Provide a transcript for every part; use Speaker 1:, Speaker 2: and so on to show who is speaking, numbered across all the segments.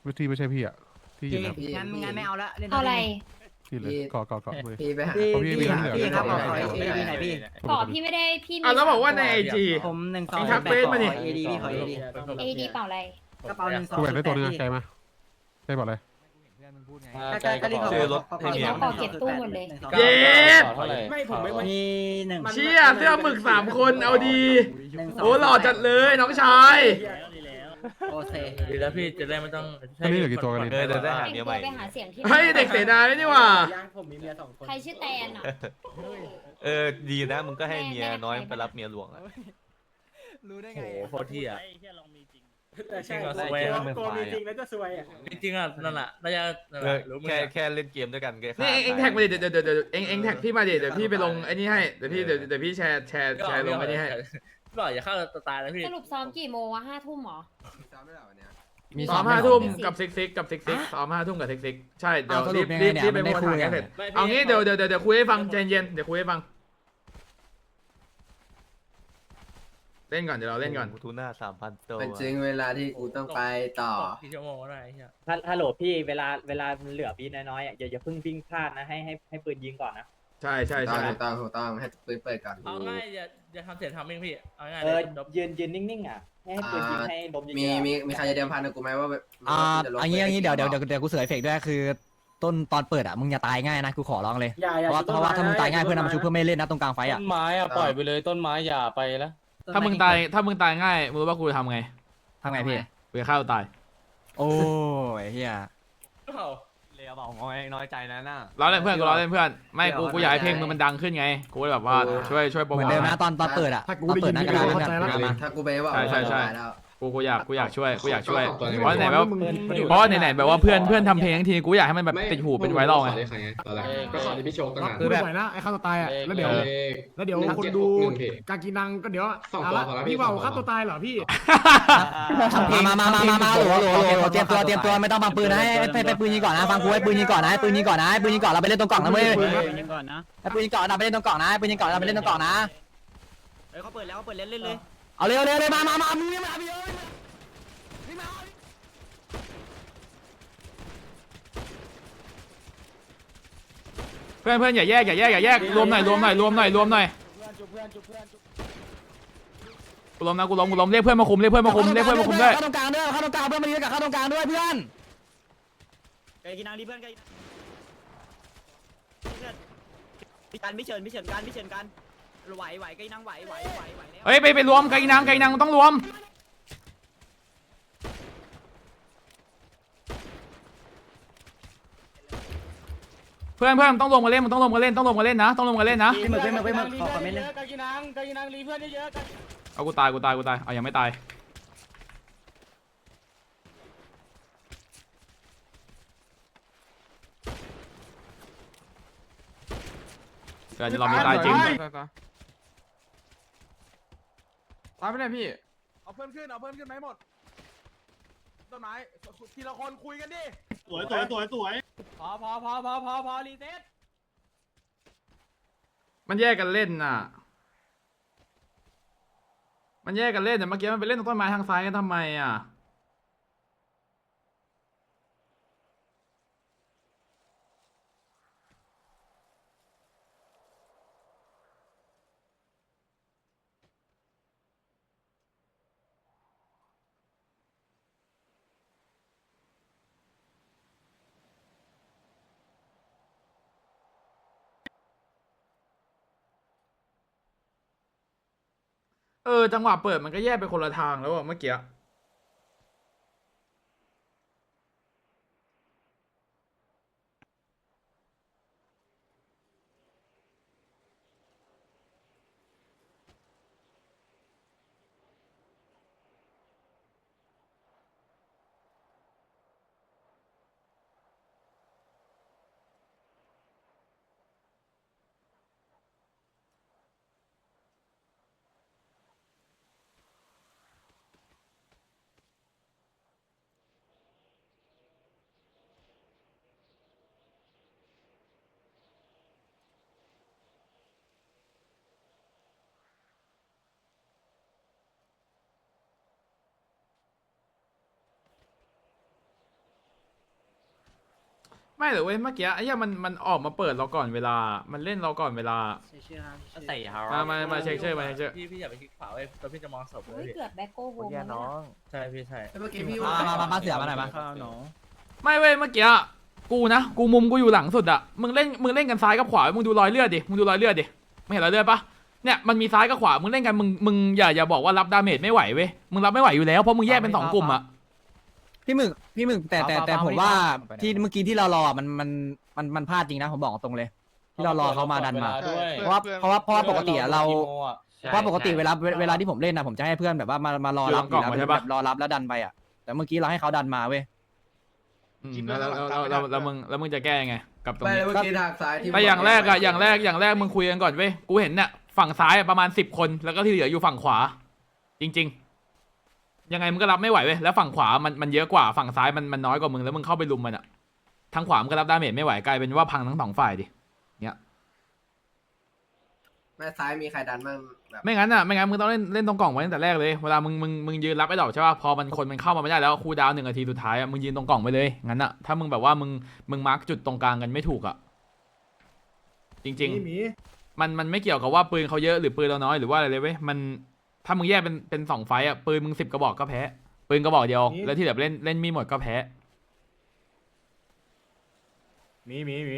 Speaker 1: ที่ไม่ใช่พี่อ่ะที่ยืนครับ
Speaker 2: งั้นไม่เอาละเล่น
Speaker 3: เอาอะไร
Speaker 1: ที่เลยเกาะเลย
Speaker 4: พี่ไปหา
Speaker 1: เอาพี่มีเรื่องเหลือ
Speaker 2: พี่ครับขอ
Speaker 4: พี่
Speaker 2: เอดีไหนพี่
Speaker 3: ก่อพี่ไม่ได้พี่มี
Speaker 5: แล้วบอกว่าในไอจี
Speaker 2: ผมหนึ่งสอง
Speaker 5: ทักเฟซมาดิ
Speaker 2: เอดีพี่ขอเอดี
Speaker 3: เอดีเปล่าอะไร
Speaker 2: กระเป๋าหนึ่งสอง
Speaker 1: กูแบ่งได้ตัวนึงใจมาใจบอกเลย
Speaker 2: ก็รีบ
Speaker 6: ซื้อรถให้
Speaker 3: เห็น
Speaker 6: เมีย
Speaker 3: เขาก่อเก็บตู้หมดเลย
Speaker 5: เย็ด
Speaker 2: ไม่ผมไม่มีหนึ่ง
Speaker 5: เชี่ยเสื้อหมึก3 คนเอาดีโอ้หล่อจัดเลยน้องชาย
Speaker 2: โอเค
Speaker 7: ดีแล้วพี่จะได้ไม่ต้อง
Speaker 1: ตอนนี้เหลือกี่ตัวกัน
Speaker 6: เออเดี๋ยวได้หา
Speaker 3: แต่ง
Speaker 6: เมีย
Speaker 3: ตั
Speaker 6: ให
Speaker 3: ว
Speaker 6: ม่
Speaker 3: ไปหาเสียงที่
Speaker 5: เฮ้ยเด็กเสนาไม่นี่หว่า
Speaker 2: ผมมีเมีย2 คน
Speaker 3: ใครชื่อแตนอ่ะ
Speaker 6: เออดีนะมึงก็ให้เมียน้อยไปรับเมียหลวงอะ
Speaker 2: รู้ได้
Speaker 7: โอ้
Speaker 2: ไง
Speaker 7: โหโคตรที่อ่ะ
Speaker 2: ใช่
Speaker 7: สวย
Speaker 2: กลัวมีจริงแล้วจะซวยอ่ะ
Speaker 7: จริงๆอ่ะนั่นแหละน่าจะนั่นแหละรู้มึง
Speaker 6: แค่เล่นเกมด้วยกันก็
Speaker 5: นี่เอ็งแท็กมาดิเดี๋ยวเอ็งแท็กพี่มาดิเดี๋ยวพี่ไปลงไอ้นี่ให้เดี๋ยวพี่แชร์ลงไอ้นี่ให้
Speaker 7: บอกอย่าเข้าตายนะพี่
Speaker 3: สรุปซ้อมกี่โมงวะ5 ทุ่มหรอ
Speaker 5: ซ้อม5 ทุ่มกับซิกซ้อม5 ทุ่มกับซิกใช่เดี๋ยวรีบไปโพสทางให้เสร็จเอางี้เดี๋ยวคุยให้ฟังใจเย็นเดี๋ยวคุยให้ฟังเล่นก่อนเดี๋ยวเราเล่นก่อน
Speaker 6: ทูน่า3,000ตัว
Speaker 4: เป็นจริงเวลาที่กูต้องไปต่อ
Speaker 7: กี่ชั่วโมงก็ได้เฮีย
Speaker 8: ฮัลโหลพี่เวลามันเหลือบีน้อยๆอ่ะอย่าเพิ่งวิ่งพลาดนะให้ปืนยิงก่อนนะ
Speaker 5: ใช่
Speaker 4: ถูกต้องให้ปืนเปิดก่อน
Speaker 7: เอาง่ายอย่าทำเสียทำเองพี่เอาง่าย
Speaker 8: เอ
Speaker 7: เล
Speaker 8: อย ยืนนิ่งๆอ่ะให้ปืนยิงให้ลมเยอะๆ
Speaker 4: มีใครจะเดิมพันกับกูไหมว่า
Speaker 9: อันนี้เดี๋ยวกูเสือเอฟเฟกด้วยคือต้นตอนเปิดอ่ะมึงอย่าตายง่ายนะกูขอร้องเลยเพราะว่าถ้ามึงตายง่ายเพื่อนนำมาชุบเพื่อนไม่เล่นนะตรงกลางไฟอ่ะ
Speaker 8: ต้นไม้อ่ะปล่อยไปเลยต้นไม้อย่าไปแล้ว
Speaker 5: ถ้ามึงตายง่ายมึงรู้ว่ากูจะทำไง
Speaker 9: ทำไงพี่
Speaker 5: กูจะฆ่าตัวตาย
Speaker 9: โอ้ยเฮีย
Speaker 6: เลยเอาบอกน้อยใจนะน่ะ
Speaker 5: ล้อเล่นเพื่อนกูล้อเล่นเพื่อนไม่กูอยากให้เพลงมึงมันดังขึ้นไงกูเลยแบบว่าช่วยโปร
Speaker 9: เห
Speaker 5: โม
Speaker 9: มือ
Speaker 5: ท
Speaker 9: นเดิมนะตอนเปิดอ่ะตอนเปิดหน้ากระดานเพื่อนมา
Speaker 4: ถ้ากูไปว่า
Speaker 5: กูอยากช่วยเพราะไหนแบบว่าเพื่อนทำเพลงทั้งทีกูอยากให้มันแบบติดหูเป็นไวรัลไง
Speaker 10: ก็ขอที่พี่โชคตั้งนาน
Speaker 9: คือแบบ
Speaker 10: ไหวนะไอ้ฆ่าตัวตายอ่ะแล้วเดี๋ยวคนดูกากีนังก็เดี๋ยวพี่ว่าฆ่าตัวตายเหรอพี่
Speaker 9: มาโหลเตรียมตัวไม่ต้องบังปืนนะให้ปืนยิงก่อนนะฟังกูให้ปืนยิงก่อนนะให้ปืนยิงก่อนเราไปเล่นตรงกล่องนะเว้ย
Speaker 8: ยิงก่อนนะ
Speaker 9: ให้ปืนยิงก่อนเราไปเล่นตรงกล่องนะปืนยิงก่อนเราไปเล่นตรงกล่องนะ
Speaker 2: เขาเปิดแล้วเขาเปิดเล่นเลย
Speaker 9: เอาเร็วมามึงยังมาพี่เอ้ย
Speaker 5: เพื่อนอย่าแยกรวมหน่อยกูล้มนะกูล้มเรียกเพื่อนมาคุมด้วย
Speaker 9: เข้าตรงกลางด้วยเพื่อนมายืนกับเข้าตรงกลางด้วยเพื่อน
Speaker 2: ไก่กินังรีเพื่อนไก่การไม่เชิญกันไหวไก่นังไหว
Speaker 5: เฮ้ยไปรวมไก่นางต้องรวมเพื่อนต้องรวมกันเล่นต้องรวมกันเล่นนะ
Speaker 2: พี่มึงขอคอมเมนต์เลย
Speaker 10: กากีนังรีเพื่อนเยอะ
Speaker 5: เอากูตายเอายังไม่ตายเดี๋ยวเรามีตายจริง
Speaker 10: ตายไปไหนพี่เอาเพื่อนขึ้นไหมหมดต้นไม้ทีละคนคุยกันดิสวยพอรีเซ็ต
Speaker 5: มันแยกกันเล่นน่ะเมื่อกี้มันไปเล่นตรงต้นไม้ทางซ้ายกันทำไมอ่ะจังหวะเปิดมันก็แยกไปคนละทางแล้วอะเมื่อกี้ไม่หรือเว้ยเมื่อกี้ไอ้เหี้ยมันออกมาเปิดเราก่อนเวลา มันเล่นเราก่อนเวลา
Speaker 6: ใส่เฮา
Speaker 5: มาเช็คชื่อมาเช็คชื่อ
Speaker 7: พี่อย่าไปคลิกขวาไว้ตอนพี่จะมองศพเล
Speaker 3: เฮ้
Speaker 7: ย
Speaker 3: ย
Speaker 7: พี่
Speaker 3: เกือบแบ็คโก้โฮม
Speaker 6: แย่น้อง
Speaker 7: ใช่พี่ใช่
Speaker 4: เมื่อกี้พี่
Speaker 9: มาเสือมาหน่อยมา
Speaker 5: ไม่เว้ยเมื่อกี้กูนะกูมุมกูอยู่หลังสุดอะมึงเล่นกันซ้ายกับขวามึงดูรอยเลือดดิมึงดูรอยเลือดดิไม่เห็นรอยเลือดปะเนี่ยมันมีซ้ายกับขวามึงเล่นกันมึงอย่าบอกว่ารับดาเมจไม่ไหวเว้ยมึงรับไม่ไหวอยู่แล้วเพราะมึงแยกเป็น2 กลุ่มอะ
Speaker 9: พี่หมึกแต่ผมว่าที่เมื่อกี้ที่เรารอมันพลาดจริงนะผมบอกตรงเลย ที่เรารอเขามาดันมาเพราะว่าปกติเราเพราะปกติเวลาที่ผมเล่นนะผมจะให้เพื่อนแบบว่ามารอรับอยู่แล้วแบบรอรับแล้วดันไปอ่ะแต่เมื่อกี้เราให้เขาดันมาเว้ย
Speaker 5: แล้วมึงจะแก้ยังไงกับตรง
Speaker 4: ไม่
Speaker 5: นี้
Speaker 4: เมื่อกี้ทางซ้ายที่
Speaker 5: แต่อย่างแรกมึงคุยกันก่อนเว้ยกูเห็นเนี่ยฝั่งซ้ายประมาณ10 คนแล้วก็ที่เหลืออยู่ฝั่งขวา จริงๆยังไงมึงก็รับไม่ไหวเว้ยแล้วฝั่งขวามันเยอะกว่าฝั่งซ้ายมันน้อยกว่ามึงแล้วมึงเข้าไปลุมมันอะทางขวามึงก็รับดาเมจไม่ไหวกลายเป็นว่าพังทั้ง2 ฝ่ายดิเนี่ย
Speaker 4: แม่ซ้ายมีใครดันบ้างแบบ
Speaker 5: ไม่งั้นมึงต้องเล่นตรงกล่องไว้ตั้งแต่แรกเลยเวลามึงยืนรับไอ้ดอกใช่ป่ะพอคนมันเข้ามาไม่ได้แล้วคูลดาวน์1 นาทีสุดท้ายอะมึงยืนตรงกล่องไปเลยงั้นอะถ้ามึงแบบว่ามึงมาร์กจุดตรงกลางกันไม่ถูกอะจริงๆมันไม่เกี่ยวกับว่าปืนเขาเยอะหรือปืนเราน้อยหรือว่าอะไรเลยเว้ยมันถ้ามึงแยกเป็น2 ไฟต์อะปืนมึง10 กระบอกก็แพ้ปืนกระบอกเดียวแล้วที่เหลือเล่นมีหมดก็แพ้
Speaker 10: มี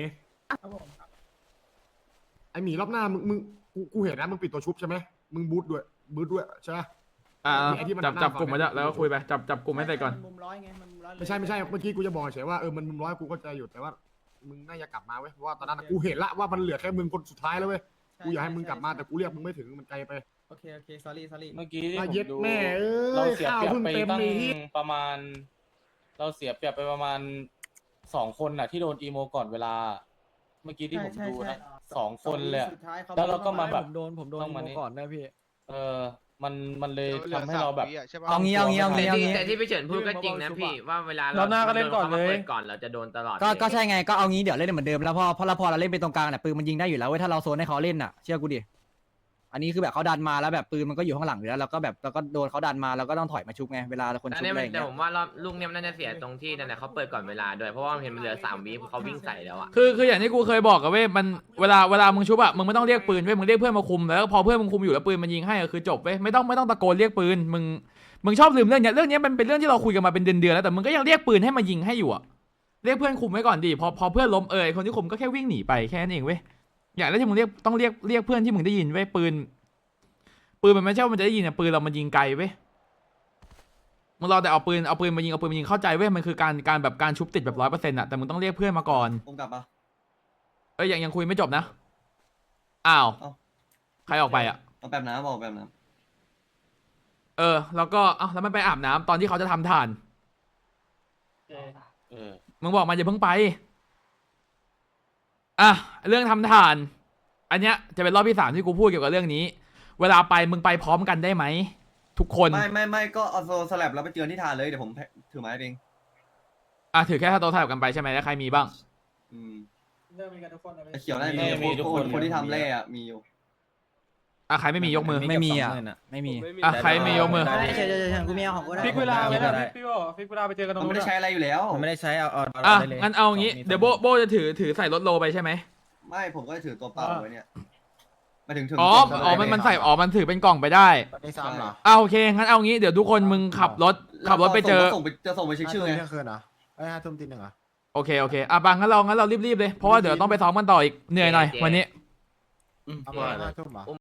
Speaker 10: ไอหมีรอบหน้ามึงกูเห็นนะมึงปิดตัวชุบใช่ไหมมึงบูทด้วยใช่ไหม ไอ้ที่มัน
Speaker 5: จับกลุ่มมาจ้ะแล้วก็คุยไปจับกลุ่มให้เสร็จก่อน
Speaker 2: มุมร้อยไงมันมุมร้อย
Speaker 10: ไม่ใช่เมื่อกี้กูจะบอกเฉยว่ามันมุมร้อยกูก็จะอยู่แต่ว่ามึงน่าจะกลับมาเว้ยเพราะว่าตอนนั้นกูเห็นละว่ามันเหลือแค่มึงคนสุดท้ายแล้วเว้ยกูอยากให้มึงกลับมาแต่กูเรียกมึงไม่ถึงมันไกลไป
Speaker 2: โอเคsorry
Speaker 11: เมื่อกี้
Speaker 10: เย็ดแม่เราเสียเปรียบไปตั้ง
Speaker 11: ประมาณ เราเสียเปรียบไปประมาณ2 คนน่ะที่โดนอีโมก่อนเวลา เมื่อกี้ที่ผมดูนะ2 คนเลยแล้วเราก็มาแบบผมโดนอีโมก่อนได้พี่มันเลยทำให้เราแบบ
Speaker 9: เอางี้
Speaker 8: แต่ที่พี่เฉินพูดก็จริงนะพี่ว่าเวลา
Speaker 11: เราหน้าก็เล่นก่อนเลย
Speaker 8: ก่อนเราจะโดนตลอด
Speaker 9: ก็ใช่ไงก็เอางี้เดี๋ยวเล่นเหมือนเดิมแล้วพอเราเล่นไปตรงกลางเนี่ยปืนมันยิงได้อยู่แล้วเว้ยถ้าเราโซนให้เขาเล่นอ่ะเชื่อกูดิอันนี้คือแบบเขาดันมาแล้วแบบปืนมันก็อยู่ข้างหลังอยู่แล้วเราก็โดนเขาดันมาแล้วก็ต้องถอยมาชุบไงเวลาคนชุบอะไรอย่าง
Speaker 8: แต่
Speaker 9: เงี้ย
Speaker 8: ผมว่ารอบลูกเนี่ยมันน่าจะเสียตรงที่นั่นแหละเขาเปิดก่อนเวลาด้วยเพราะว่าเห็นมันเหลือ3 วิเขาวิ่งใส่แล้วอ่ะ
Speaker 5: คืออย่างที่กูเคยบอกกับเว้ยมันเวลามึงชุบอะมึงไม่ต้องเรียกปืนเว้ยมึงเรียกเพื่อนมาคุมแล้วพอเพื่อนมึงคุมอยู่แล้วปืนมันยิงให้ก็คือจบเว้ยไม่ต้องตะโกนเรียกปืนมึงชอบลืมเรื่องเนี้ยมันเป็นเรื่องที่เราคุยกันมาเป็นเดือนแล้วแต่มึงก็ยังเรียกปืนให้มายิงให้อยู่อะเรียกเพื่อนคุมไว้ก่อนดิพอเพื่อนล้มไอ้คนที่คุมก็แค่วิ่งหนีไปแค่นั้นเองเว้ยอย่างแรกที่มึงต้องเรียกเพื่อนที่มึงได้ยินเว้ยปืนมันไม่ใช่ว่ามันจะได้ยินอะปืนเรามันยิงไกลเว้ยมึงรอแต่เอาปืนมายิงเข้าใจเว้ยมันคือการแบบการชุบติดแบบ100%อะแต่มึงต้องเรียกเพื่อนมาก่อน
Speaker 9: ผมกลับมา
Speaker 5: ยังคุยไม่จบนะอ้าวใครออกไปอะ
Speaker 9: เอาแบบน้ำบอกแบบน้
Speaker 5: แล้วก็แล้วมันไปอาบน้ำตอนที่เขาจะทำทานมึงบอกมันอย่าเพิ่งไปเรื่องทำทานอันเนี้ยจะเป็นรอบที่3ที่กูพูดเกี่ยวกับเรื่องนี้เวลาไปมึงไปพร้อมกันได้ไหมทุกคน
Speaker 9: ไม่ก็เอาโซสลับแล้วไปเจอที่ทานเลยเดี๋ยวผมถือไม้เอง
Speaker 5: ถือแค่ถ้าโต๊ะสลับกันไปใช่ไหมแล้วใครมีบ้าง
Speaker 9: เขียวได้มีทุกคนที่ทำเล่อะมีอยู่
Speaker 5: ใครไม่มียกมือ
Speaker 9: ไม่มีไม่มี
Speaker 5: ใครไม่ยกมือ
Speaker 2: เฉยกูมีเอาของกูได้
Speaker 11: ฟิกเวลาไว้นะฟิกเวลาไปเจอกันตรง
Speaker 9: มัน
Speaker 11: นู้น
Speaker 9: ไม่ได้ใช้อะไรอยู่แล้ว
Speaker 2: ผมไม่ได้ใช้เอา
Speaker 5: งั้นเอางี้เดี๋ยวโบจะถือใส่รถโลไปใช่ไหม
Speaker 9: ไม่ผมก็ถือตัวเปล่าไว้เนี่ยมาถึง
Speaker 5: มันใส่มันถือเป็นกล่องไปได้
Speaker 10: ในซ้ำเหรอ
Speaker 5: โอเคงั้นเอางี้เดี๋ยวทุกคนมึงขับรถไปเจอ
Speaker 9: จะส่งไปเช็คชื่อไง
Speaker 10: เที่ยงคืนเหรอ5 ทุ่มตี 1เหรอ
Speaker 5: โอเคบังงั้นเรารีบๆเลยเพราะว่าเดี๋ยวต้องไปซ้อมกันต่ออีกเหนื่อยหน่อยวันนี้
Speaker 10: เอาไป5 ทุ่มเหรอ